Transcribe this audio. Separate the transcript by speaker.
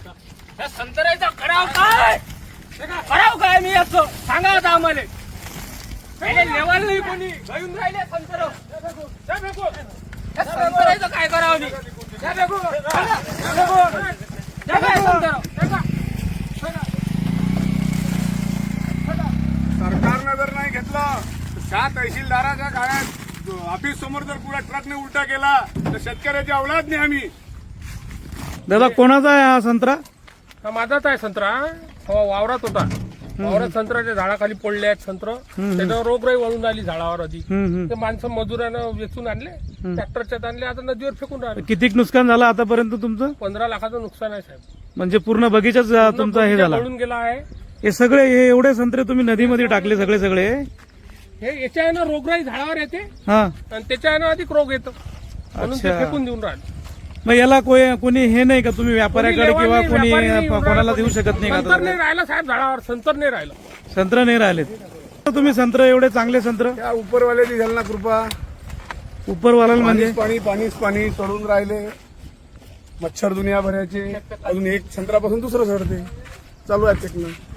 Speaker 1: या संत्र्याचा कराव काय मी असं सांगा आता आम्हाला पहिले लेवल नाही कोणी घेऊन राहिले संत्र संत्र्याचं काय करावं मी
Speaker 2: सरकारनं जर नाही घेतलं त्या तहसीलदाराच्या काळात ऑफिस समोर जर पुरा ट्रकने उलटा केला तर शेतकऱ्याची औलाद नाही आम्ही.
Speaker 3: दादा कोणाचा आहे हा संत्रा?
Speaker 1: हा माझाच आहे संत्रा. हो वावरात होता. वावरात संत्र्याच्या झाडाखाली पडले आहेत संत्र. त्याच्यावर रोगराई वळून आली झाडावर आधी. ते माणसं मजुरानं वेचून आणले ट्रॅक्टरच्यात आणले आता नदीवर फेकून राहिले.
Speaker 3: किती नुकसान झालं आतापर्यंत तुमचं?
Speaker 1: 15 लाखाचं नुकसान आहे साहेब.
Speaker 3: म्हणजे पूर्ण बगीचाच तुमचा हे झाला.
Speaker 1: पळून गेला आहे.
Speaker 3: हे सगळे हे एवढे संत्रे तुम्ही नदीमध्ये टाकले सगळे
Speaker 1: हे याच्यानं रोगराई झाडावर येते
Speaker 3: हा
Speaker 1: आणि त्याच्यानं अधिक रोग येतो म्हणून ते
Speaker 3: अच्छा.
Speaker 1: फेकून देऊन राहिले.
Speaker 3: मग याला कोणी हे नाही का तुम्ही व्यापाऱ्याकडे किंवा कोणी कोणाला देऊ शकत नाही
Speaker 1: संतर
Speaker 3: का?
Speaker 1: नाही राहिला साहेब झाडावर संतर नाही राहिलं.
Speaker 3: संत्र नाही राहिलेत तुम्ही संत्र एवढे चांगले संत्र
Speaker 2: त्या उपरवाल्याची झाली ना कृपा.
Speaker 3: उपरवाला म्हणजे
Speaker 2: पाणीच पाणी चढून राहिले. मच्छर दुनिया भरायचे. अजून एक संत्रापासून दुसरं चढते चालू आहे टेक्निक.